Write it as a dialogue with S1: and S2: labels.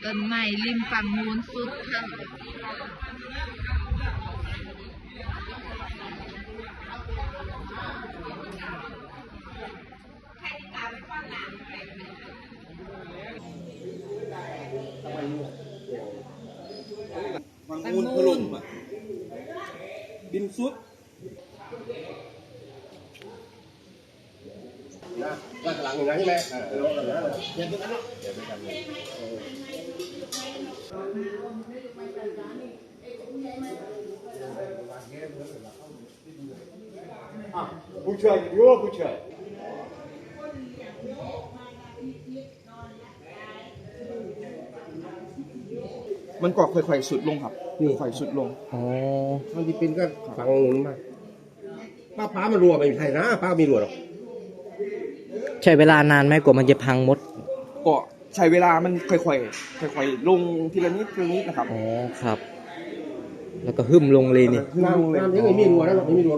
S1: ต้นไม้ริมฝั่งนู้นสุดค่ะ
S2: ฝั่งนู้นถล่มอ่ะดินซุด
S3: นะด้านหลังอย่างนั้นใช่ไหมเดี๋ยวกันเนาะเดี๋ยวกันผู้ช่วยอยู่ผู้ช่วย
S2: มันก็ค่อยๆสุดลงครับค่อยๆสุดลง
S4: อ๋อ
S3: มันจะเป็นก็ฝั่งนู้นมาป้ามันรัวไม่ใช่นะป้ามีรัวหรอก
S4: ใช้เวลานานไหมกว่ามันจะพังหมด
S2: ก็ใช้เวลามันค่อยๆลงทีละนิดนะครับ
S4: อ๋อครับ แล้วก็หึ่มลงเลยนี่
S2: ขึ้นลงเลย
S3: น้ำยังไม่มีรัวนะหรอกไม่มีรัว